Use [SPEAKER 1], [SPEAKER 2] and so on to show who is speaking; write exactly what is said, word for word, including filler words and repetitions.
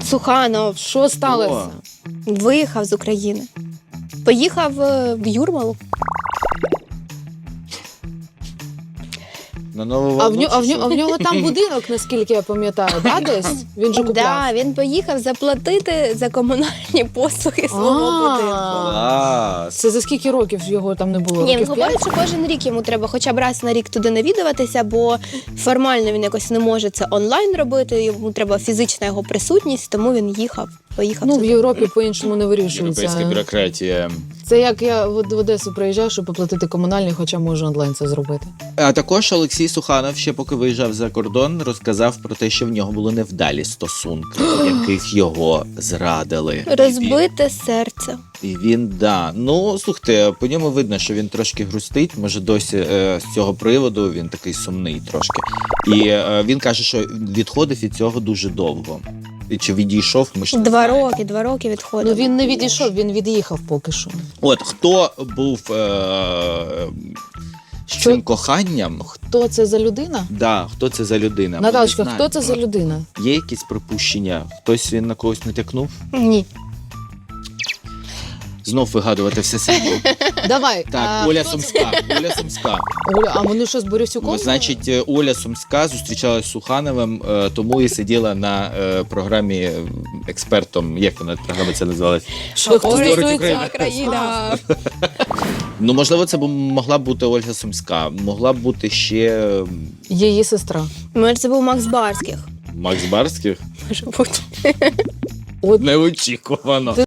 [SPEAKER 1] Суханов
[SPEAKER 2] Що сталося?
[SPEAKER 1] виїхав з України. Поїхав е, в Юрмалу.
[SPEAKER 3] На Нову
[SPEAKER 2] А в,
[SPEAKER 3] Волну
[SPEAKER 2] нього, а, в
[SPEAKER 3] чи
[SPEAKER 2] нього, а в нього там будинок, наскільки я пам'ятаю, да, десь? Він же купляв.
[SPEAKER 1] Да, він поїхав заплатити за комунальні послуги свого
[SPEAKER 2] А.
[SPEAKER 1] будинку.
[SPEAKER 3] Клас.
[SPEAKER 2] Це за скільки років його там не було?
[SPEAKER 1] Ні, він
[SPEAKER 2] Років
[SPEAKER 1] говорить,
[SPEAKER 2] п'ять?
[SPEAKER 1] що кожен рік йому треба хоча б раз на рік туди навідуватися, бо формально він якось не може це онлайн робити, йому треба фізична його присутність, тому він їхав, поїхав
[SPEAKER 2] Ну, в
[SPEAKER 1] туди.
[SPEAKER 2] Європі по-іншому не вирішується.
[SPEAKER 3] Європейська бюрократія.
[SPEAKER 2] Це як я в в Одесу приїжджаю, щоб оплатити комунальні, хоча можу онлайн це зробити.
[SPEAKER 3] А також Олексій Суханов, ще поки виїжджав за кордон, розказав про те, що в нього були невдалі стосунки, в яких його зрадили.
[SPEAKER 1] Розбите серце.
[SPEAKER 3] І він, да. Ну, слухайте, по ньому видно, що він трошки грустить, може досі е, з цього приводу він такий сумний трошки. І е, він каже, що відходив від цього дуже довго. І чи відійшов, ми ж не
[SPEAKER 1] Два
[SPEAKER 3] знаємо.
[SPEAKER 1] роки, два роки
[SPEAKER 2] Ну
[SPEAKER 1] відходив.
[SPEAKER 2] він не відійшов, він від'їхав поки що.
[SPEAKER 3] От, хто був е,
[SPEAKER 2] Що?
[SPEAKER 3] цим коханням,
[SPEAKER 2] Хто це за людина?
[SPEAKER 3] да, хто це за людина? Ми
[SPEAKER 2] Наталочка,
[SPEAKER 3] не
[SPEAKER 2] хто це за
[SPEAKER 3] знаємо.
[SPEAKER 2] людина?
[SPEAKER 3] Є якісь припущення? Хтось він на когось натякнув?
[SPEAKER 1] Ні.
[SPEAKER 3] Знов вигадувати все самі.
[SPEAKER 2] Давай.
[SPEAKER 3] Так,
[SPEAKER 2] а,
[SPEAKER 3] Оля
[SPEAKER 2] хто це?
[SPEAKER 3] Сумська. Оля Сумська.
[SPEAKER 2] Оля, а вони що з Борисюком?
[SPEAKER 3] Ну, значить, е, Оля Сумська зустрічалась з Сухановим, е, тому і сиділа на е, програмі е, експертом. Як вона програма це називалась?
[SPEAKER 2] Що, хто
[SPEAKER 3] Говорить
[SPEAKER 2] стосується
[SPEAKER 3] Україна.
[SPEAKER 1] Країна.
[SPEAKER 3] Ну, можливо, це б могла б бути Ольга Сумська, могла б бути ще е,
[SPEAKER 2] Її сестра.
[SPEAKER 1] Може, це був Макс Барських.
[SPEAKER 3] Макс Барських.
[SPEAKER 1] Може бути.
[SPEAKER 2] От
[SPEAKER 3] Неочікувано.